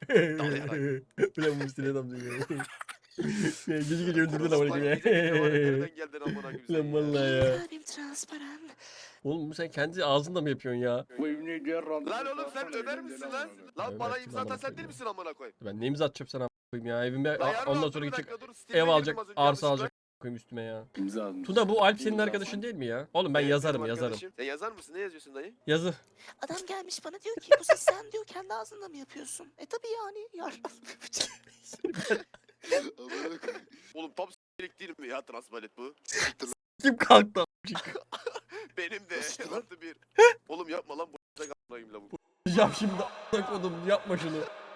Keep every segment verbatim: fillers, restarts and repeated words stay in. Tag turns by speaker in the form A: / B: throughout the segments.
A: Ulan Musti'ne tam diyor. Gece gece öldürdün
B: Orospu
A: amına
B: hangi
A: koyayım
B: gece
A: ya.
B: gece var ya, nereden geldin amına koyayım sen
A: Ulan
B: ya?
A: vallahi ya.
C: Kalbim transparan.
A: Oğlum sen kendi ağzınla mı yapıyorsun ya?
B: Lan oğlum sen Ömer misin lan? Lan bana
A: Ömer'sin
B: imza atan
A: amına
B: sen değil
A: koyayım.
B: misin amına koyayım?
A: Ben ne imza atacağım sana koyayım ya evime
B: Lan yarın
A: ondan
B: olsun,
A: sonra
B: bir
A: gidecek
B: dakika dur, Steam'e
A: ev
B: girdim
A: alacak
B: az önce,
A: arsa
B: yanlışlıkla.
A: alacak koyayım üstüme ya.
D: İmza almış.
A: Tuna bu Alp senin
D: İmza
A: arkadaşın
D: almış.
A: değil mi ya? Oğlum ben
B: Evet,
A: yazarım
B: benim
A: yazarım.
B: arkadaşım. Sen yazar mısın? Ne yazıyorsun dayı?
A: Yazı.
C: Adam gelmiş bana diyor ki bu sesi sen diyor kendi ağzınla mı yapıyorsun? E tabi yani yar.
B: Oğlum tam s**lik değil mi ya transpalet bu?
A: Kim kalktı?
B: Benim de artı bir. Oğlum yapma lan bu s**lik a**layım la bu.
A: Yap şimdi a**ına kodum yapma şunu.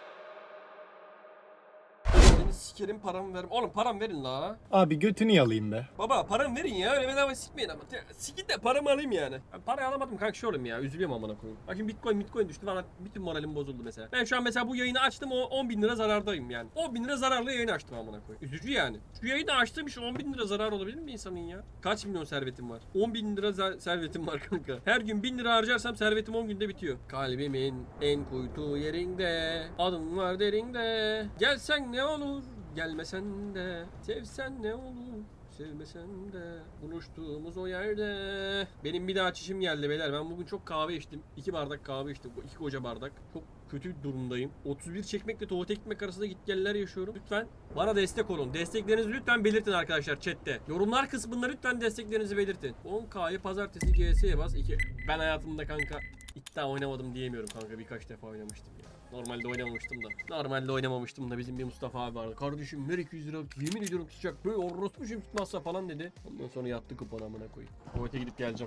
A: Seni sikerim paramı verim. Oğlum param verin la.
E: Abi götünü yalayayım be.
A: Baba param verin ya öyle bedava sikmeyin ama. Sikin de paramı alayım yani. Ben parayı alamadım kanka şey oğlum ya üzülüyorum amına koyayım. Bak şimdi bitcoin bitcoin düştü bana bütün moralim bozuldu mesela. Ben şu an mesela bu yayını açtım o on bin lira zarardayım yani. on bin lira zararlı yayını açtım amına koyayım. Üzücü yani. Şu yayını açtığım için on bin lira zarar olabilir mi insanın ya? Kaç milyon servetim var? on bin lira za- servetim var kanka. Her gün bin lira harcarsam servetim on günde bitiyor. Kalbimin en kuytu yerinde. Adım var derinde. Gelsen ne olur? Gelmesen de. Sevsen ne olur? Sevmesen de buluştuğumuz o yerde. Benim bir daha çişim geldi beyler. Ben bugün çok kahve içtim. iki bardak kahve içtim. iki koca bardak. Çok kötü bir durumdayım. otuz bir çekmekle tuvalete gitmek arasında gitgeller yaşıyorum. Lütfen bana destek olun. Desteklerinizi lütfen belirtin arkadaşlar chatte. Yorumlar kısmında lütfen desteklerinizi belirtin. on K'yı pazartesi G S'ye bas. iki. Ben hayatımda kanka iddia oynamadım diyemiyorum kanka. Birkaç defa oynamıştım ya. Normalde oynamamıştım da. Normalde oynamamıştım da bizim bir Mustafa abi vardı. Kardeşim ver iki yüz lira yemin ediyorum tutacak. Böyle orospu şey tutmazsa falan dedi. Ondan sonra yattı kupon amına koyayım. Tuvalete gidip geleceğim.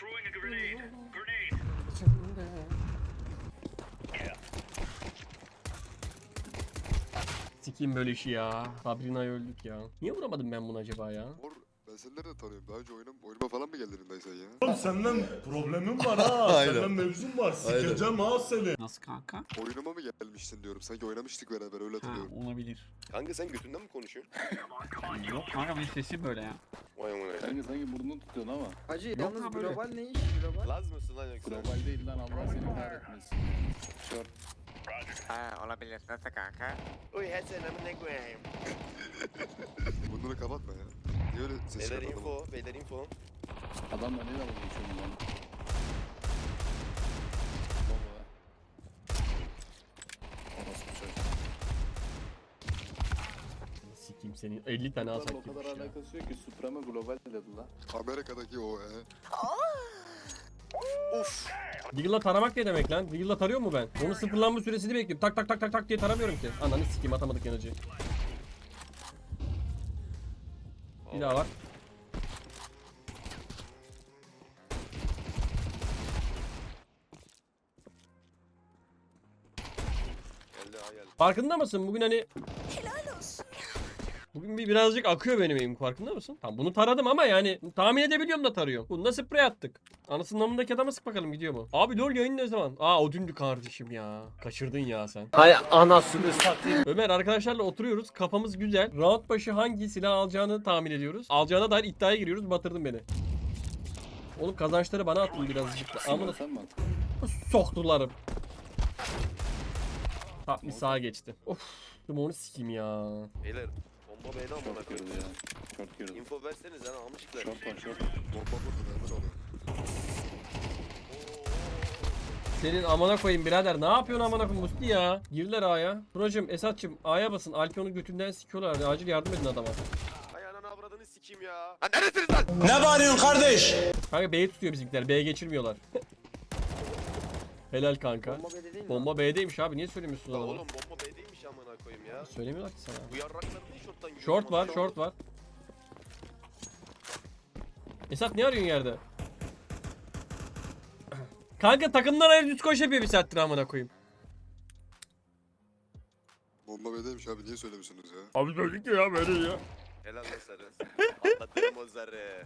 A: Sikiyim böyle işi ya. Sabrina'yı öldük ya. Niye vuramadım ben bunu acaba ya?
F: Mor, ben seni nereden tanıyorum? Daha önce oynam, oynama falan mı geldin dayı sen ya?
G: Oğlum senden problemim var ha.
F: Aynen.
G: Senden mevzum var.
F: Aynen.
G: Sikeceğim ha seni.
D: Nasıl kanka?
F: Oynama mı gelmiştin diyorum. Sanki oynamıştık beraber öyle
D: Ha,
F: hatırlıyorum.
D: olabilir.
B: Kanka sen götünden mi konuşuyorsun?
D: Yok kanka benim sesim böyle ya.
B: Vay amına koyayım.
H: Kanka sanki burnunu tutuyorsun ama.
I: Hacı
D: Yok
I: yalnız
D: lan böyle.
I: global ne iş global?
B: Laz mısın lan yoksa?
H: Global değil lan Allah seni kahretmesin. Short.
I: Ha olabilir nasıl kanka?
B: Uy her sen amına koyayım.
F: Bunları kapatma ya. Niye öyle ses
B: Beyler
F: çıkartmadın?
B: info, beyler info.
H: Adamla ne dalga geçiyorsun lan? Baba. Orospu çocuk.
A: Sikiyim senin elli tane
H: Bunların
A: alsak
H: o
A: gibi
H: kadar
A: bir şey ya.
H: alakası yok ki Supreme Global dedi lan.
F: Amerika'daki o e.
B: Uf.
A: Deagle'la taramak ne demek lan? Deagle'la tarıyor mu ben? Onun sıfırlanma süresini bekliyorum. Tak tak tak tak tak diye taramıyorum ki. Ananı sikeyim atamadık yanıcı. Bir daha var.
B: Geldi ha geldi.
A: Farkında mısın? Bugün hani
C: Helal olsun.
A: bugün bir birazcık akıyor benim elim farkında mısın? Tamam bunu taradım ama yani tahmin edebiliyorum da tarıyorum. Bunda sprey attık. Anasının namındaki adama sık bakalım gidiyor mu? Abi lol yayın ne zaman? Aa o dündü kardeşim ya. Kaçırdın ya sen.
E: Hay anasını satayım.
A: Ömer arkadaşlarla oturuyoruz. Kafamız güzel. Round başı hangi silah alacağını tahmin ediyoruz. Alacağına dair iddiaya giriyoruz. Batırdın beni. Oğlum kazançları bana attın birazcık da. Amına
H: Sen mi attın?
A: soktularım. Top bir sağa geçti. Of. Onu sikeyim ya.
B: Beyler bomba beyler amına
H: Short girdi
B: koyayım.
H: ya. Short girdi.
B: Info verseniz lan almışlar.
H: Short var short.
F: Bomba vurdu nereden oluyor?
A: Senin amına koyayım birader. Ne yapıyorsun amına koyayım Musti ya? Girdiler A'ya. Buracım Esat'cım A'ya basın. Alpion'u götünden sikiyorlar. Acil yardım edin adama.
B: Ay ananı avradını sikeyim ya. Ha neredesiniz lan?
E: Ne bağırıyorsun kardeş?
A: Kanka B'yi tutuyor bizimkiler. B'ye geçirmiyorlar. Helal kanka.
I: Bomba bede değil mi?
A: Bomba B'deymiş abi. Niye söylemiyorsun
B: La
A: adama?
B: oğlum bomba B'deymiş amına koyayım ya.
A: Söylemiyorlar ki sana.
B: Bu yarraklar niye short'tan giriyor?
A: Short var,
B: Amına
A: short var. Esat ne arıyorsun yerde? Kanka takımdan ayrı düz koş yapıyor bir saattir amına koyayım.
F: Bomba bedeymiş abi niye söylemiyorsunuz ya?
A: Abi söyledik ya böyle ya.
B: Helal lan sarı. Atlatırım o zarı.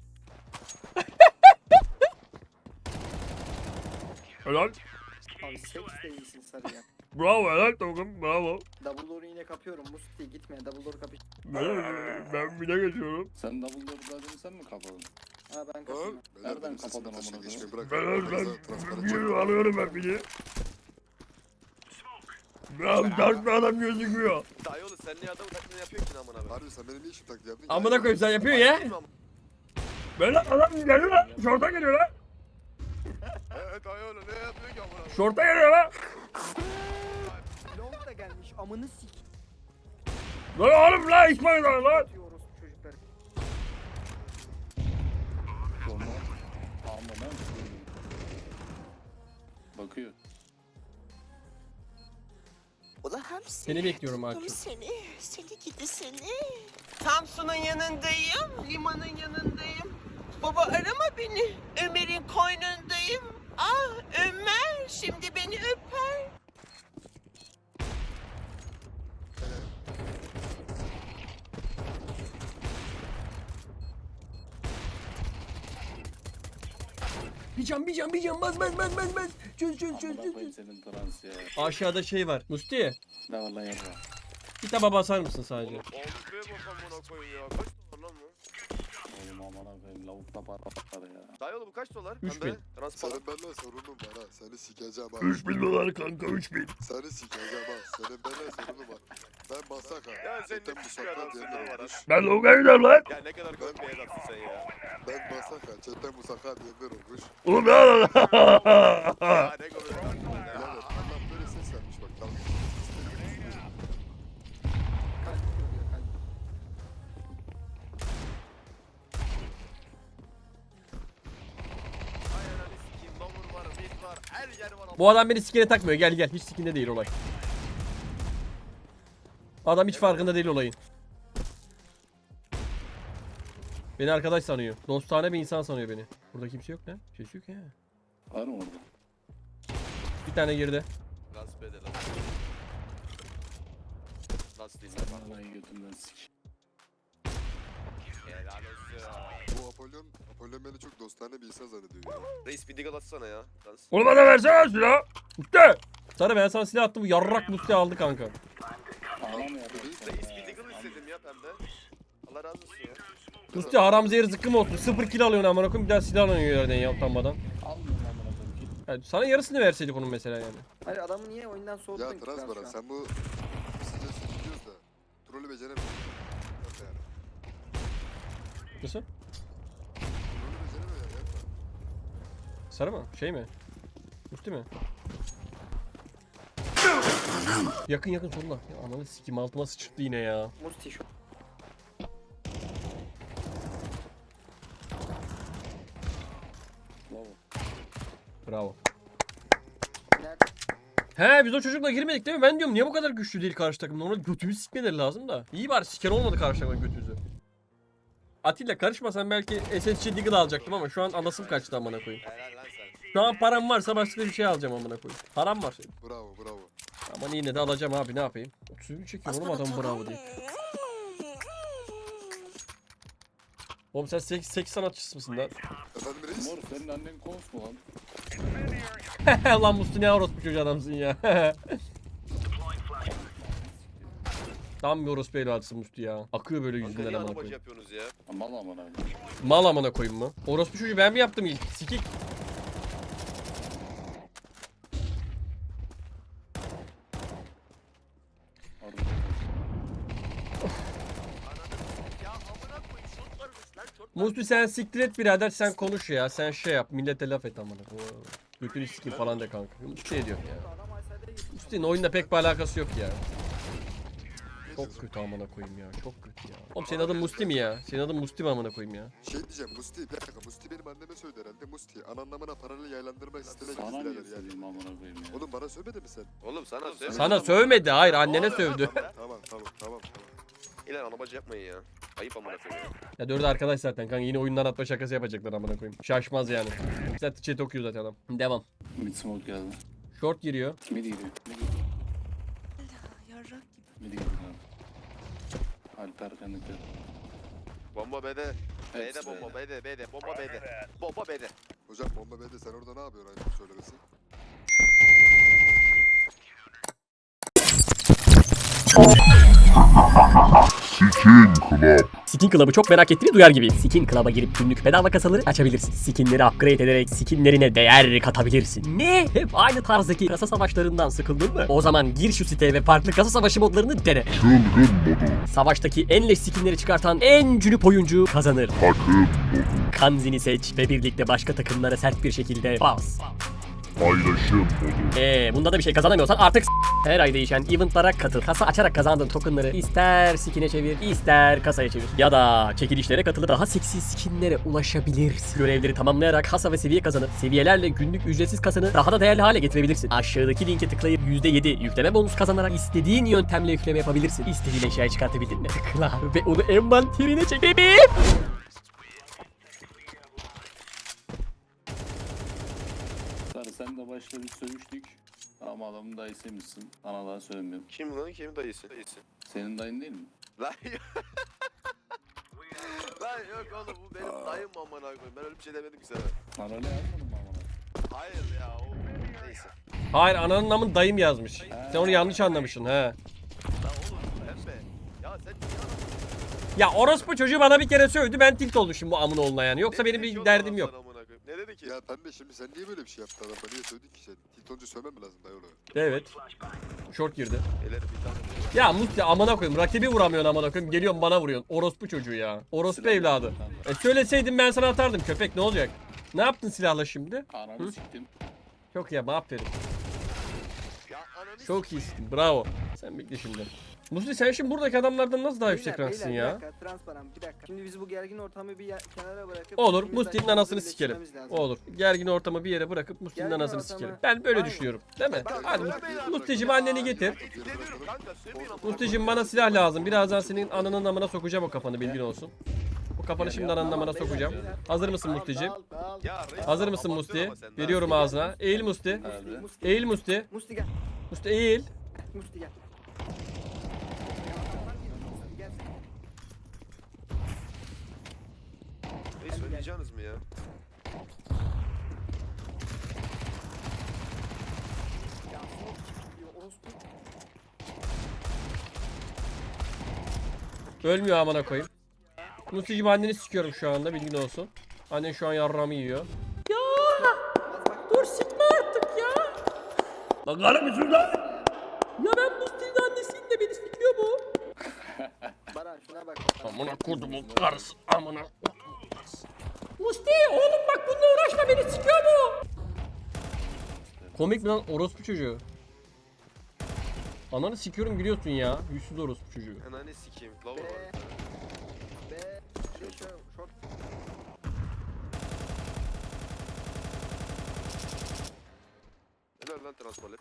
A: Helal.
I: Abi seks değilsin sarı ya.
A: Bravo helal takım bravo.
I: Double door'u yine kapıyorum. Musti gitme. Double door kapış.
A: Ben, ben bir de geçiyorum.
H: Sen double door dadını sen mi kapadın?
I: Ha ben
F: Ha?
I: kapıyorum.
F: Beyler
H: Nereden
F: benim sesimi
H: kapadın
F: taşıyın
H: amına
F: geçmeyi
H: koyayım?
F: bırak.
A: Ben
F: Aranızda transparan
A: ben
F: çekmeyin.
A: alıyorum ben bir de. Ya tarzda adam gözüküyor.
B: Dayı oğlum sen niye adamın taklidini yapıyorsun ki amına koyayım?
F: Harbi sen benim niye işim taklidi yaptın?
A: Amına koyayım sen yapıyorsun ya. Böyle adam geliyor lan. Şorta geliyor lan.
B: Eee dayı oğlum ne yapıyorsun ki amına koyayım?
A: Şorta geliyor lan.
I: Long da gelmiş amını sik.
A: Lan oğlum lan İsmail lan lan.
I: Atıyor orospu çocukları.
H: Bomba. Alma lan. Bakıyor.
C: Ula Hamsi.
A: Seni bekliyorum
C: tuttum
A: Akif.
C: Seni, seni gidi seni.
J: Samsun'un yanındayım, limanın yanındayım. Baba arama beni, Ömer'in koynundayım. Ah Ömer, şimdi beni öper.
A: Bir can bir can bir can baz baz baz baz baz. Çöz çöz çöz
H: Amına
A: çöz.
H: koyayım senin trans ya.
A: Aşağıda şey var. Musti
H: Ne var lan yapma.
A: bir taba basar mısın sadece?
B: Oğlum ağzıya bak amına koyayım ya. Kaç dolar lan bu?
H: Oğlum amına koyayım lavukla para var ya.
B: Dayı oğlum bu kaç dolar?
A: Üç
B: Pembe,
A: bin.
B: Transparan.
F: Senin benimle sorunun var ha. Seni sikeceğim ha.
A: üç bin dolar kanka üç bin.
F: Seni sikeceğim ha. Senin benimle sorunun var. Ben basak ha.
B: Ya sen
F: Chatten
B: ne küçük
F: musakka
B: adamsın
F: diyenler
B: ne var ha?
F: olmuş.
A: Ben Loga'ya gidiyorum lan.
B: Ya ne kadar komik bir adamsın sen ya.
F: Ben basak ha. Chatten musakka diyenler olmuş.
A: Oğlum ne lan?
B: Ya ne komik adamsın ya.
F: Birader Allah böyle ses vermiş bak. Dalga.
I: Kalp görüyor kalp.
B: Ay ananı sikeyim. Lavur var, mid var, her yer var.
A: Bu adam beni sikine takmıyor. Gel gel. Hiç sikinde değil olay. Adam hiç farkında değil olayın. Beni arkadaş sanıyor. Dostane bir insan sanıyor beni. Burada kimse yok lan. Kimse yok ya.
H: Var mı orada?
A: Bir tane girdi.
B: Gasp ede lan. Nasıl değil lan?
H: Vallahi götümden sik.
B: Helal olsun.
F: Bu Apollon, Apollon beni çok dostane bir insan zannediyor ya.
B: Reis bir digal atsana ya. Dans.
A: Onu bana versene silah. Musti. Sarı ben sana silah attım. Bu yarrak Musti aldı kanka.
H: Ağlam ya.
B: Reis bir digal istedim ya pembe. Allah razı olsun ya.
A: Musti haram zehir zıkkım olsun. Sıfır kill alıyorsun amına koyayım. Bir daha silah alıyorsun yerden ya utanmadan.
H: Almıyorum amına koyayım. Git.
A: Yani sana yarısını verseydik onun mesela yani.
I: Hayır adamı niye oyundan soğuttun
F: Ya
I: ki
F: Trans
I: kral
F: Baran
I: şu an?
F: sen bu size sürüyoruz da trolü beceremiyorsun. Yapma yani.
A: Nasıl?
F: Trolü beceremiyor yani yapma.
A: Sarı mı? Şey mi? Musti mi? Yakın yakın solda. Ya ananı sikim altıma sıçırttı yine ya.
I: Musti şu.
H: Bravo.
A: Bravo.
I: Nerede?
A: He biz o çocukla girmedik değil mi? Ben diyorum niye bu kadar güçlü değil karşı takım? Normalde götümüzü sikmeleri lazım da. İyi bari siker olmadı karşı takımın götümüzü. Atilla karışmasan belki S S G Deagle alacaktım ama şu an alasım kaçtı amına koyayım.
B: Helal lan sen.
A: Şu an param varsa başka bir şey alacağım amına koyayım. Param var.
F: Bravo bravo.
A: Ama yine de alacağım abi ne yapayım? otuz bir çekiyor oğlum adam bravo diye. Oğlum sen seks, seks sanatçısı mısın lan?
F: Efendim reis?
H: Mor senin annen kons mu lan?
A: Lan Musti ne orospu çocuğu adamsın ya. Tam bir orospu evladısın Musti ya. Akıyor böyle
B: Kanka
A: yüzünden
B: niye
A: amına
B: anabacı
A: koyayım.
B: yapıyorsunuz ya?
H: Mal amına koyayım.
A: Mal amına koyayım mı? Orospu çocuğu ben mi yaptım ilk? Sikik.
H: Harbi.
B: Ya amına koyayım şort varmış lan şort.
A: Musti sen siktir et birader sen konuş ya. Sen şey yap millete laf et amına. koyayım. Götünü sikeyim falan de kanka. Musti ne diyor ya?
I: Adam Aysel'de geçti.
A: Musti'nin oyunda pek bir alakası yok ya. Çok kötü amına koyayım ya. Çok kötü ya. Oğlum senin adın Musti mi ya? Senin adın Musti mi amına koyayım ya?
F: Şey diyeceğim Musti bir dakika Musti benim anneme söyledi herhalde Musti. An anlamına paralel yaylandırma istemek
H: Sana niye
F: birader yani.
H: söyleyeyim amına koyayım ya?
F: Oğlum bana söylemedi mi sen?
B: Oğlum sana söyle.
A: Sana sövmedi. Hayır annene
B: Oğlum,
A: sövdü.
B: yapma be.
F: Tamam tamam tamam tamam.
B: İlan anabacı yapmayın ya. Ayıp amına koyayım.
A: Ya dördü arkadaş zaten kanka yine oyundan atma şakası yapacaklar amına koyayım. Şaşmaz yani. Zaten chat okuyor zaten adam. Devam.
H: Mid smoke geldi.
A: Short giriyor.
H: Mid giriyor. Mid giriyor.
C: Yarrak gibi.
H: Mid giriyor abi. Alper kanıtı.
B: Bomba B'de. B'de
H: Hepsi
B: bomba
H: B'de.
B: B'de B'de bomba B'de. Bomba B'de.
F: Hocam bomba bende sen orada ne yapıyorsun aynı söylemesi?
K: Skin Club'ı çok merak ettiğini duyar gibi. Skin Club'a girip günlük bedava kasaları açabilirsin. Skinleri upgrade ederek skinlerine değer katabilirsin. Ne? Hep aynı tarzdaki kasa savaşlarından sıkıldın mı? O zaman gir şu siteye ve farklı kasa savaşı modlarını dene. Savaştaki en leş skinleri çıkartan en cünüp oyuncu kazanır. Kanzini seç ve birlikte başka takımlara sert bir şekilde bas.
E: Paylaşım.
K: Eee bunda da bir şey kazanamıyorsan artık s- her ay değişen eventlara katıl. Kasa açarak kazandığın tokenları ister skin'e çevir, ister kasaya çevir. Ya da çekilişlere katılıp daha seksi skinlere ulaşabilirsin. Görevleri tamamlayarak kasa ve seviye kazanıp seviyelerle günlük ücretsiz kasanı daha da değerli hale getirebilirsin. Aşağıdaki linke tıklayıp yüzde yedi yükleme bonus kazanarak istediğin yöntemle yükleme yapabilirsin. İstediğin eşyayı çıkartabildin mi? Tıkla ve onu envanterine çek bebeğim.
H: Sarı sen de başta bir sövüştük. Ama adamın dayısıymışsın. Sana daha söylemiyorum.
B: Kim lan? Kim dayısı? Dayısı.
H: Senin dayın değil mi?
B: Lan yok. Lan yok oğlum bu benim dayım amına koyayım. Ben öyle bir şey demedim ki sana.
H: Paralel yazmadın mı amına?
B: Hayır ya o neyse.
A: Hayır ananın namın dayım yazmış. Sen onu yanlış anlamışsın he.
B: Lan oğlum pembe. Ya sen niye anladın?
A: Ya orospu çocuğu bana bir kere söyledi ben tilt oldum şimdi bu amın oğluna yani. Yoksa
B: Ne
A: benim
B: dedi ki
A: bir
B: oğlum
A: derdim
B: adam
A: yok.
B: sana amına koyayım? Ne dedi ki?
F: Ya pembe şimdi sen niye böyle bir şey yaptın adama? Niye söyledin ki sen? Tiltoncu sövmem mi lazım dayı ona?
A: Evet. Short girdi.
B: Eller bir tane.
A: Ya Musti amına koyayım rakibi vuramıyorsun amına koyayım geliyorsun bana vuruyorsun. Orospu çocuğu ya. Orospu
H: Silah
A: evladı.
H: yaptın kanka.
A: E söyleseydin ben sana atardım köpek ne olacak? Ne yaptın silahla şimdi?
H: Ananı siktim.
A: Çok iyi ama aferin.
B: Ya ananı
A: Çok iyisin bravo. Sen bekle şimdi. Musti sen şimdi buradaki adamlardan nasıl daha yüksek
I: Beyler,
A: ranksın
I: beyler,
A: ya?
I: Bir dakika, transparan bir dakika. Şimdi biz bu gergin ortamı bir ya- kenara bırakıp...
A: Olur
I: ikimiz de
A: Musti'nin
I: aşağımızı
A: anasını sikerim.
I: birleştirmemiz lazım.
A: Olur. Gergin ortamı bir yere bırakıp Musti'nin
I: Gergin
A: anasını
I: ortamı-
A: sikerim. Ben böyle
I: Aynen.
A: düşünüyorum. Değil mi?
B: Bak,
A: Hadi
B: bak,
A: Musti-
B: beyler,
A: Musti'cim
B: bak.
A: anneni getir.
B: İstemiyorum kanka sövmeyin amına
A: Musti'cim bana silah lazım. Birazdan senin ananın amına sokacağım o kafanı bilgin olsun. Bu kafanı şimdi ananın amına sokacağım. Hazır mısın Musti'cim?
I: Dal, dal.
B: Ya reis,
A: Hazır mısın
B: abartıyorsun
A: Musti?
B: ama sen de.
A: Veriyorum ağzına. Eğil Musti.
H: Abi.
I: Musti,
A: Eğil Musti.
I: Musti gel.
A: Musti eğil.
I: Musti gel. Musti gel.
B: Reis söyleyeceğiniz mi ya?
I: Ya, diyor, orospu.
A: Ölmüyor amına koyayım. Musti'cim anneni sikiyorum şu anda bilgin olsun. Annen şu an yarramı yiyor. Ya dur sikme artık ya. Lan karı mısın lan? Ya ben Musti'nin annesiyim de beni sikiyor bu.
I: Baran şuna bak.
A: Amına kurdumun karısı amına. Musti oğlum bak bununla uğraşma beni sikiyor bu. Komik mi lan orospu çocuğu? Ananı sikiyorum gülüyorsun ya. Yüzsüz orospu çocuğu.
B: Ananı sikeyim. Lava
I: Be.
B: var.
I: Be. Şey şu short.
B: Helal lan transpalet.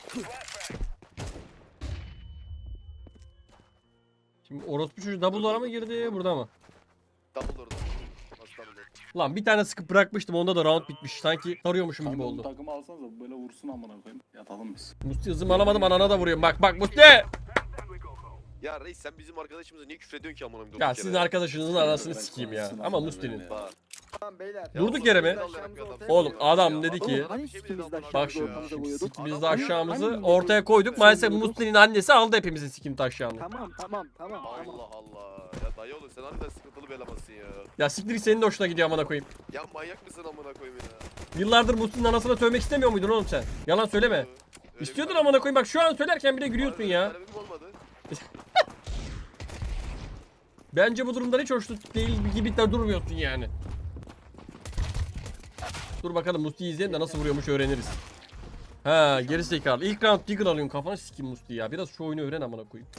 A: Şimdi orospu çocuğu double'lara mı girdi burada mı?
B: Double orada. Nasıl double orada?
A: Lan bir tane sıkıp bırakmıştım onda da round bitmiş. Sanki tarıyormuşum gibi
H: Kanka bu
A: oldu.
H: takımı alsanıza böyle vursun amına koyayım. Yatalım biz.
A: Musti hızımı alamadım anana da vuruyorum. Bak bak Musti!
B: Ya reis sen bizim arkadaşımıza niye küfrediyorsun ki amına koyayım?
A: Ya
B: durduk
A: sizin
B: yere?
A: arkadaşınızın anasını
H: Ben
A: sikeyim ya.
H: konuşsun
A: Ama
H: amına
A: Musti'nin.
H: koyayım ya.
B: Bak.
I: Tamam beyler.
A: Durduk yere mi?
I: Aşağımızı ortaya
A: Oğlum
I: koyuyoruz.
A: adam dedi ki
I: Hani sikimiz de
A: bak
I: aşağımızı
A: şu
I: ortamıza koyuyorduk?
A: biz de aşağımızı ortaya koyduk. Maalesef Musti'nin annesi aldı hepimizin sikim taşağını.
I: Tamam tamam tamam tamam.
B: Allah Allah. Ya dayı oğlum sen harbiden sıkıntılı bir elemansın ya.
A: Ya siktir git, senin de hoşuna gidiyor amına koyayım.
B: Ya manyak mısın amına koyayım ya?
A: Yıllardır Musti'nin anasına sövmek istemiyor muydun oğlum sen? Yalan söyleme.
B: Öyle bir
A: İstiyordun
B: talep-
A: amına koyayım bak şu an söylerken bile gülüyorsun
B: Öyle bir
A: ya.
B: talebim olmadı.
A: Bence bu durumdan hiç hoşnut değil gibi de durmuyorsun yani. Dur bakalım Musti'yi izleyelim de nasıl vuruyormuş öğreniriz. Ha geri zekalı. İlk round Deagle alıyorsun kafana sikeyim Musti ya. Biraz şu oyunu öğren amına koyayım.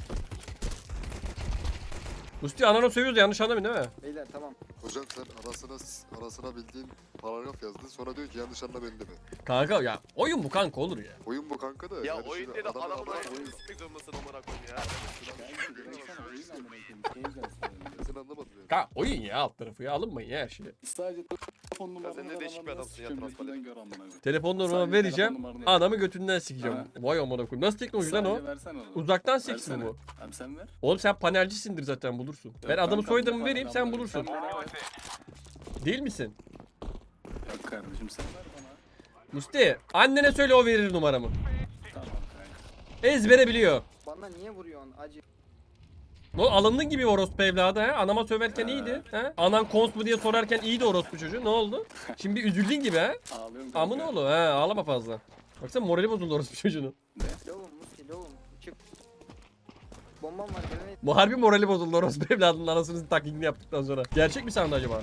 A: Musti ananı sövüyoruz yanlış anlamayın değil mi?
I: Beyler tamam.
F: Hocam sen arasına arasına bildiğin paragraf yazdın sonra diyor ki yanlış anla beni de mi?
A: Kanka ya oyun bu kanka olur ya.
F: Oyun bu kanka da.
B: Ya
F: yani
B: oyun
F: şimdi
B: dedi
F: adamın
B: adamın
F: adamı-
B: ayağını sıkmak zorundasın amına koyayım ya.
H: Kanka baksana oyun amına koyayım. Keyifle söylüyorum.
F: Ben seni anlamadım yani.
A: Kanka oyun ya alt tarafı ya alınmayın ya her şeye.
H: Sadece telefon numaranı
B: sen ne
H: ver,
B: değişik bir
H: adamı
B: adamsın ya,
H: sikeyim,
B: transparan.
H: götünden gör amına koyayım.
A: Telefon numaramı
H: Sadece
A: vereceğim.
H: telefon numaranı
A: Adamı götünden sikeceğim.
H: Ha.
A: Vay amına koyayım. Nasıl teknoloji lan o?
H: Sadece versene onu.
A: Uzaktan seks mi
H: Versene.
A: bu?
H: Abi sen ver.
A: Oğlum sen panelcisindir zaten bulursun. Ben
H: Yok,
A: adamı
H: kanka,
A: soyadımı
H: bu
A: vereyim
H: panel
A: sen
H: amına
A: bulursun.
H: koyayım. Sen bana ver.
A: Değil misin?
H: Yok kardeşim sen ver bana.
A: Musti annene söyle o verir numaramı.
H: Tamam kanka.
A: Ezbere biliyor.
I: Bana niye vuruyorsun acı?
A: O alındın gibi orospu evladı he. Anama söverken iyiydi. He? Anan kons mu diye sorarken iyiydi orospu çocuğu. Ne oldu? Şimdi üzüldün gibi he.
H: Ağlıyorum kanka.
A: Amın oğlu he. Ağlama fazla. Baksana morali bozuldu orospu çocuğunun.
I: Lovum Musti lovum. Çık. Bombam var gelen
A: Bu harbi morali bozuldu orospu evladının anasının taklidini yaptıktan sonra. Gerçek mi sandı acaba?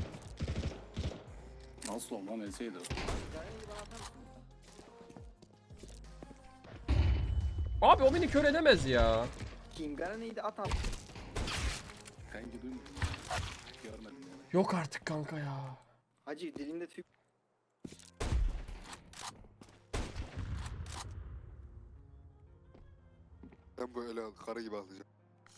H: Nasıl olmam enseydi o.
A: Abi o beni kör edemez ya.
I: Kim Garane'yi de at at.
H: Kanki duymuyorum. Görmedim yani.
A: Yok artık kanka ya.
I: Hacı dilinde tüy.
F: Ben bu ele karı gibi atlayacağım.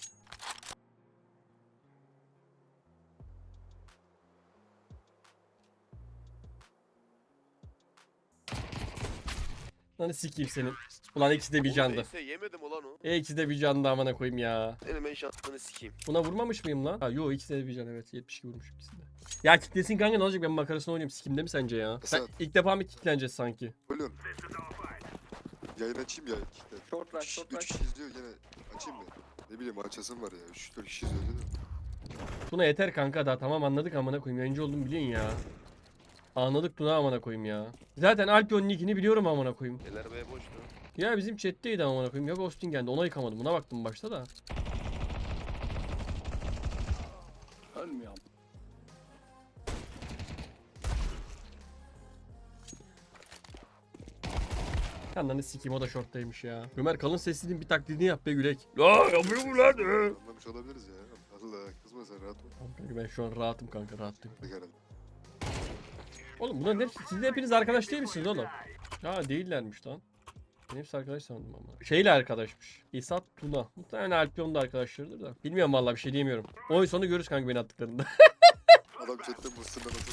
A: Lan sikeyim senin. Ulan ikisi de bir
B: Oğlum
A: candı.
B: neyse yemedim ulan o.
A: E ikisi de bir candı amına koyayım ya.
B: Senin ben şansını sikeyim.
A: Buna vurmamış mıyım lan? Ha yo ikisi de bir can evet. yetmiş iki vurmuş ikisinde. Ya kitlesin kanka ne olacak ben makarasını oynayayım. Sikimde mi sence ya? Ben
F: Esat.
A: ilk defa mı kitleneceğiz sanki?
F: Bölüyorum. Yayın açayım ya. İşte.
I: Short rush
F: Üç,
I: short
F: üç
I: rush.
F: kişi izliyor gene açayım mı? Ne bileyim açasım var ya. Üç dört kişi izliyor değil mi?
A: Tuna yeter kanka daha tamam anladık amına koyayım. Yayıncı oldum biliyorsun ya. Anladık Tuna amına koyayım ya. Zaten Alpion'un nickini biliyorum amına koyayım.
B: Eller be boştu.
A: Ya bizim chat'teydi amına koyayım. Yok Austin geldi. Ona yıkamadım. Buna baktım başta da.
H: Ölmüyorum.
A: Yanlarını sikeyim o da shorttaymış ya. Ömer kalın sesliğinin bir taklidini yap be Gülek. La yapıyor mu lan?
F: Anlamış olabiliriz ya. Allah kızma sen rahat ol.
A: Tamam kanka ben şu an rahatım kanka rahatım.
F: Hadi herhalde.
A: Oğlum bunların hepsi siz de hepiniz arkadaş değil misiniz oğlum? Ha değillermiş lan. Ben hepsi arkadaş sandım ama. Şeyle arkadaşmış. İsat Tuna. Muhtemelen Alpion da arkadaşlarıdır da. Bilmiyorum vallahi bir şey diyemiyorum. Oyun sonu görürüz kanka beni attıklarında.
F: Adam chatte mısırdan nasıl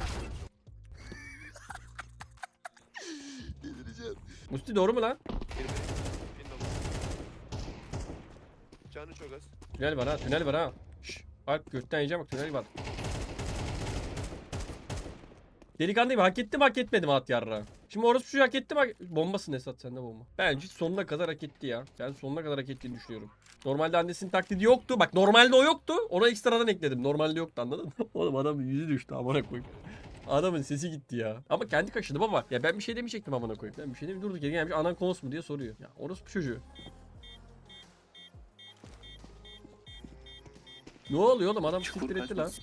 F: Delireceğim.
A: Musti doğru mu lan?
B: Canı çok az.
A: Tünel var ha tünel var ha. Şşş. Alp gökten yiyeceğim bak tünel var. Delikanlıyım hak ettim hak etmedim at yarra. Şimdi orası şu hak etti mi? hak- Bombasın Esat sende bomba. Bence sonuna kadar hak etti ya. Ben sonuna kadar hak ettiğini düşünüyorum. Normalde annesinin taklidi yoktu. Bak normalde o yoktu. Ona ekstradan ekledim. Normalde yoktu anladın mı? Oğlum adamın yüzü düştü amına koyayım. Adamın sesi gitti ya. Ama kendi kaşıdı baba. Ya ben bir şey demeyecektim amına koyayım. Ben bir şey demeyeyim. Durduk yere gelmiş anan konusu mu diye soruyor. Ya orası bu çocuğu. Ne oluyor oğlum adam siktir etti lan.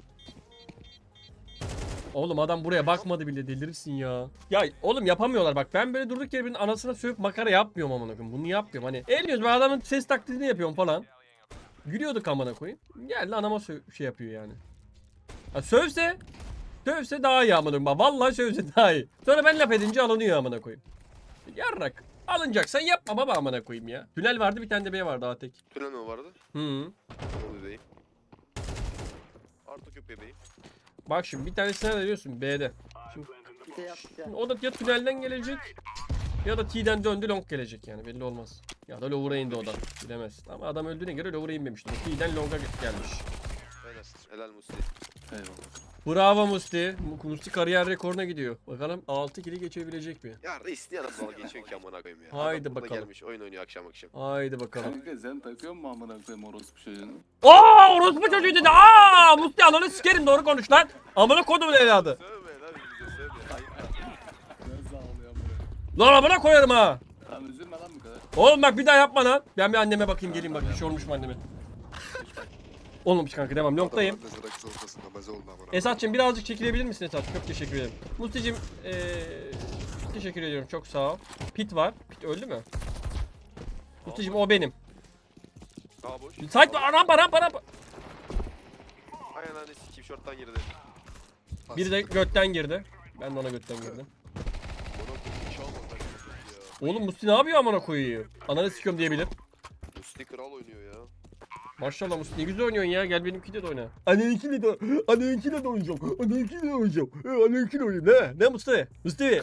A: Oğlum adam buraya bakmadı bile delirirsin ya. Ya oğlum yapamıyorlar bak ben böyle durduk yere birinin anasına sövüp makara yapmıyorum amına koyayım. Bunu yapmıyorum hani. Elmiyoruz ben adamın ses taklidini yapıyorum falan. Gülüyorduk amına koyayım. Geldi anama sö- şey yapıyor yani. Ha, sövse sövse daha iyi amına koyayım. Bak, vallahi sövse daha iyi. Sonra ben laf edince alınıyor amına koyayım. Yarrak. Alınacaksan yapma baba amına koyayım ya. Tünel vardı bir tane de B vardı daha tek.
B: Tünel mi vardı?
A: Hı.
B: O bebeğim. Artık yok bebeğim.
A: Bak şimdi bir tanesine ne diyorsun B'de.
I: Bir de yap bir de.
A: O da ya tünelden gelecek ya da T'den döndü long gelecek yani belli olmaz. Ya da lower'a indi o da bilemez. Ama adam öldüğüne göre lower'a inmemiştir. T'den long'a gelmiş.
B: Helal. Helal Musti.
H: Eyvallah.
A: Bravo Musti. Musti kariyer rekoruna gidiyor. Bakalım altı kili geçebilecek mi?
B: Ya reis niye nasıl dalga geçiyor ki amına koyayım ya.
A: Haydi
B: Adam burada
A: bakalım.
B: gelmiş oyun oynuyor akşam akşam.
A: Haydi bakalım.
H: Kanka sen takıyor musun amına koyayım orospu çocuğunu?
A: Aa orospu çocuğu dedi. Aa Musti ananı sikerim doğru konuş lan. Amına kodumun evladı.
B: Sövme lan bize sövme. Ayıp.
H: Nasıl ağlıyor amına?
A: Lan amına koyarım ha.
H: Tamam üzülme lan bu kadar.
A: Oğlum bak bir daha yapma lan. Ben bir anneme bakayım geleyim bak bir şey olmuş mu anneme. Olmamış kanka devam long'dayım.
F: Adam annesi rakı ortasında meze oldu amına.
A: Esat'cığım birazcık çekilebilir misin Esat? Çok teşekkür ederim. Musti'cim ee, teşekkür ediyorum çok sağ ol. Pit var. Pit öldü mü? Musti'cim o benim.
B: Daha boş.
A: Site var rampa rampa rampa.
B: Aynen anne sikeyim şorttan girdi.
A: Biri de götten girdi. Ben de ona götten girdim.
B: Bana koyayım hiç almadı ya.
A: Oğlum Musti ne yapıyor amına koyuyor? Ananı sikiyorum diyebilir.
B: Musti kral oynuyor ya.
A: Maşallah Musti ne güzel oynuyorsun ya. Gel benimkiyle de oyna. Anneninkiyle de Anneninkiyle de oynayacağım. Anneninkiyle de oynayacağım. He, Anneninkiyle oynayayım. Ne? Ne Musti? Musti.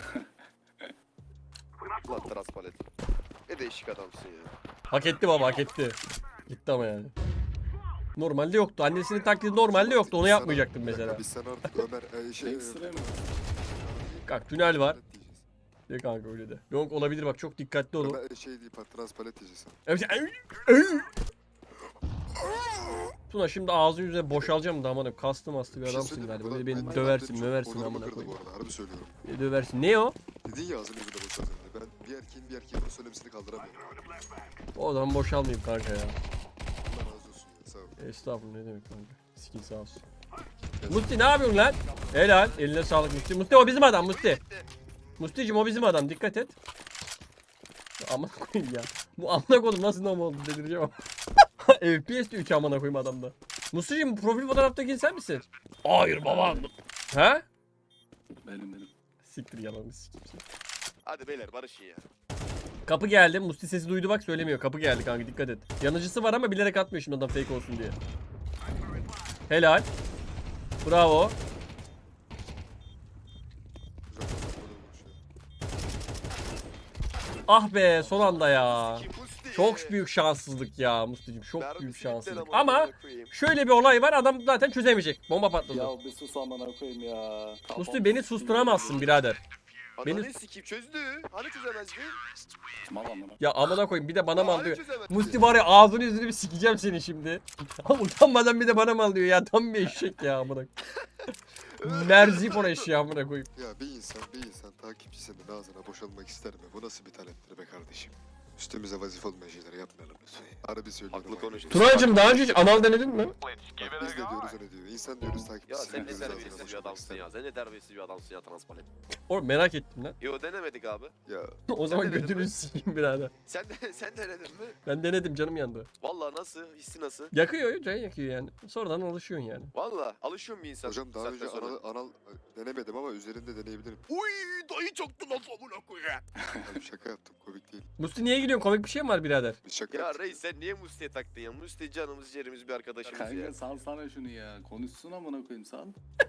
B: Lan teras palet. Ne değişik adamsın ya.
A: Hak etti baba hak etti. Gitti ama yani. Normalde yoktu. Annesinin taklidi normalde yoktu. Onu yapmayacaktım mesela.
F: Biz sen artık Ömer e, şey...
H: Ekstra mı?
A: Kalk tünel var.
F: palet diyeceğiz.
A: De kanka öyle de. Yok olabilir bak çok dikkatli olun.
F: Ömer e, şey değil patras palet diyeceğiz.
A: Evet. Tuna şimdi ağzın yüzüne boşalacağım da aman kastım astı bir
F: Bir şey
A: adamsın
F: söyleyeyim mi?
A: galiba.
F: Bu da-
A: Böyle beni
F: benim
A: döversin
F: çok
A: möversin
F: onurumu
A: amına
F: kırdı
A: koyayım.
F: bu arada, harbi söylüyorum.
A: Beni döversin. Ne o?
F: Dedin ya ağzını bir de boşaldın diye. Ben bir erkeğin bir erkeğe bunu söylemesini kaldıramıyorum.
A: O zaman boşalmayayım kanka ya.
F: Allah razı olsun. Sağ ol.
A: Estağfurullah ne demek kanka. Skin sağ olsun. Musti ne yapıyorsun lan? Helal. Eline sağlık Musti. Musti o bizim adam Musti. Musti'cim o bizim adam. Dikkat et. Amına koyayım ya. Bu amına koydum nasıl nam oldu delireceğim ama. F P S'te üç amına koyayım adamda. Musti'cim bu profil fotoğraftaki sen misin? Hayır baba. He?
H: Benim benim.
A: Siktir yalanı siktir.
B: Hadi beyler barışın ya.
A: Kapı geldi. Musti sesi duydu bak söylemiyor. Kapı geldi kanka dikkat et. Yanıcısı var ama bilerek atmıyor şimdi adam fake olsun diye. Helal. Bravo.
F: Güzel kazanmadan konuşuyor.
A: Ah be son anda ya.
B: Kim Musti?
A: Çok büyük şanssızlık ya Musti'cim. Çok
B: Mermi
A: büyük
B: silikten
A: şanssızlık.
B: amına
A: Ama
B: koyayım.
A: şöyle bir olay var adam zaten çözemeyecek. Bomba patladı.
H: Ya bir sus amına koyayım ya.
A: Musti beni susturamazsın birader.
B: Ananı
A: Beni-
B: sikeyim çözdü. Hani çözemezdi?
H: Mal amına.
A: Ya amına koyayım bir de bana mal
B: Hani
A: diyor.
B: çözemezdi?
A: Musti var ya ağzını yüzünü bir sikeceğim seni şimdi. Ama utanmadan bir de bana mal diyor ya. Tam bir eşek ya amına. Merzifon eşeği amına koyayım.
F: Ya bir insan bir insan takipçisinin ağzına boşalmak ister mi? Bu nasıl bir taleptir be kardeşim? Üstümüze vazife olmayan şeyleri yapmayalım lütfen. Harbi söylüyorum.
B: Haklı konuştun.
A: Tunacığım daha önce hiç anal denedin mi?
F: Bak biz de diyoruz o ne diyor. İnsan diyoruz
B: Ya
F: takipçisinin
B: sen ne
F: gözü ağzına
B: terbiyesiz bir
F: boşalmak
B: adamsın
F: ister
B: ya.
F: mi?
B: Sen ne terbiyesiz bir adamsın ya transparan.
A: Oğlum merak ettim lan.
B: Yo denemedik abi.
F: Ya
A: O zaman
B: denedin
A: götünü
B: mi?
A: sikeyim birader.
B: Sen de sen denedin mi?
A: Ben denedim canım yandı.
B: Vallahi nasıl? Hissi nasıl?
A: Yakıyor can yakıyor yani. Sonradan alışıyorsun yani.
B: Vallahi alışıyor mu insan?
F: hocam daha
B: saatten
F: önce
B: sonra?
F: anal, anal e, denemedim ama üzerinde deneyebilirim.
B: Uy dayı çaktı lan amına koyayım.
F: Abi şaka yaptım komik değil.
A: Musti niye gülüyorsun? Komik bir şey mi var birader?
F: Biz şaka
B: Ya
F: yaptık.
B: reis sen niye Musti'ye taktın ya? Musti canımız ciğerimiz bir arkadaşımız ya.
H: Kanka sal sana şunu ya. Konuşsun amına koyayım sal.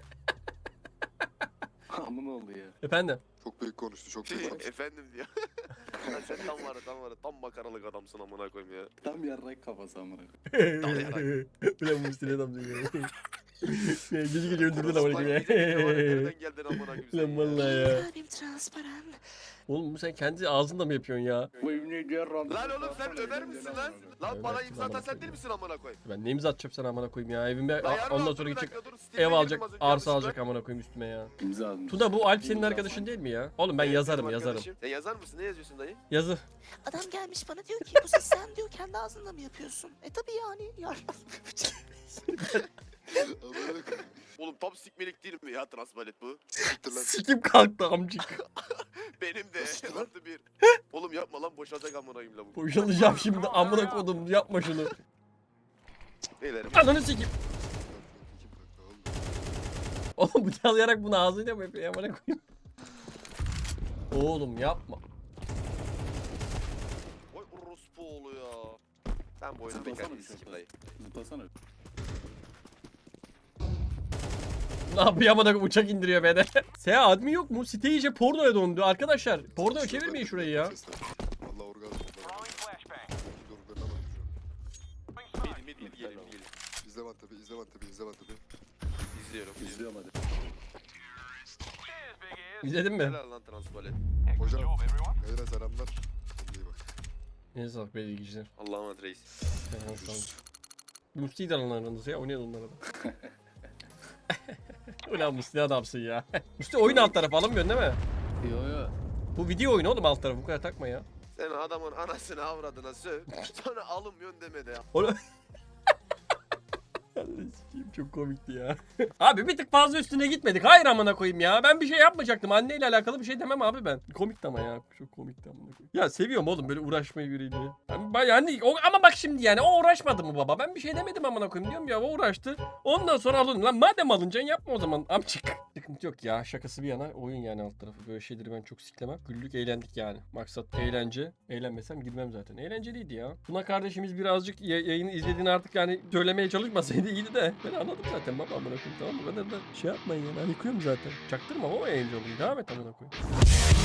H: Amına oldu ya.
A: Efendim?
F: Çok büyük konuştu çok büyük konuştu.
B: Efendim diyor. Lan sen tam var ya, tam var ya, tam makaralık adamsın amına koyayım ya.
H: Tam yarrak kafası amına koyayım.
A: Ulan Musti ne adam diyor. Gece gece öldürdün ama
B: Lan
A: ya.
B: gidip de var ya, nereden geldin amına koyayım sen
A: Lan
B: ya?
A: vallahi ya.
C: Abim transparan.
A: Oğlum bu sen kendi ağzında mı yapıyorsun ya?
B: Lan oğlum sen Ömer misin lan? Lan bana
A: Ömer'sin
B: imza atan
A: amına
B: sen değil
A: koyayım.
B: misin amına koyayım?
A: Ben ne imza atacağım sana amına koyayım ya evime
B: Lan yarın
A: ondan
B: olsun,
A: sonra
B: bir
A: gidecek
B: dakika, dur, Steam'e
A: ev
B: girdim
A: alacak
B: az önce,
A: arsa
B: yanlışlıkla.
A: alacak amına koyayım üstüme ya.
H: İmza almış.
A: Tuna bu Alp senin
H: İmza
A: arkadaşın değil mi ya? Oğlum ben
B: Evet,
A: yazarım
B: benim
A: yazarım.
B: arkadaşım. Sen yazar mısın? Ne yazıyorsun dayı?
A: Yazı.
C: Adam gelmiş bana diyor ki bu ses sen diyor kendi ağzınla mı yapıyorsun? E tabii yani ya.
F: Amına koyayım.
B: Oğlum tam sikmelik değil mi ya transparet bu?
F: Siktir lan.
A: Sikim kalktı amcık.
B: Benim de
F: Nasıl lan?
B: artı bir. Oğlum yapma lan boşalacak amına koyayım lavuk.
A: Boşalacağım şimdi amına kodum yapma şunu.
B: Beylerim.
A: Ananı sikim.
F: Kim kalktı oğlum?
A: Oğlum bıçaklayarak bunu ağzıyla mı yapıyor amına koyayım? Oğlum yapma.
B: Oy orospu oğlu ya. Ben bu oyunu
H: Zıplasana
B: bekar
H: bir
B: değilsin
H: şey.
B: dayı.
H: Zıplasana.
A: Ne yapıyor amına koyayım uçak indiriyor beni. Seha admin yok mu? Site iyice pornoya döndü arkadaşlar. Pornoya çevirmeyin şurayı ya.
F: Vallahi orgazm oldu. Doruklarına bak şu an.
B: Mid mid mid gelin gelin.
F: İzle Van tabi, izle Van tabi, izle Van tabi.
B: İzliyorum.
H: İzliyorum hadi.
A: İzledin mi?
B: Helal lan transparet.
F: Hocam, Beyler selamlar. Kendine iyi bak.
A: Ne sağlık be ilgiciler.
B: Allah'a emanet reis.
A: Musti'yi de alın aranızı ya oynayın onlara da. Ulan Musti adamsın ya. Musti oyun alt tarafı alamıyorsun değil mi?
H: Yo yo.
A: Bu video oyunu oğlum alt tarafı bu kadar takma ya.
B: Sen adamın anasını avradına söv. Sonra alınmıyorsun deme de ya.
A: Oğlum. Allah'ım sikeyim, çok komikti ya. Abi bir tık fazla üstüne gitmedik. Hayır amına koyayım ya. Ben bir şey yapmayacaktım. Anneyle alakalı bir şey demem abi ben. Komikti ama ya. Çok komikti amına koyayım. Ya seviyorum oğlum böyle uğraşmayı biriyle. Yani, ben- yani o, ama bak şimdi yani o uğraşmadı mı baba? Ben bir şey demedim amına koyayım diyorum ya. O uğraştı. Ondan sonra alın. Lan madem alınacaksın yapma o zaman amcık. Sıkıntı yok ya. Şakası bir yana oyun yani alt tarafı. Böyle şeyleri ben çok siklemem. Güldük eğlendik yani. Maksat eğlence. Eğlenmesem girmem zaten. Eğlenceliydi ya. Buna kardeşimiz birazcık ya- yayını izlediğini artık yani söylemeye çalışmasaydı iyiydi de. Ben anladım zaten baba amına koyayım tamam mı? Bu kadar da şey yapmayın yani. Ben yıkıyorum zaten. Çaktırma o yayıncı olayım. Devam et amına koyayım.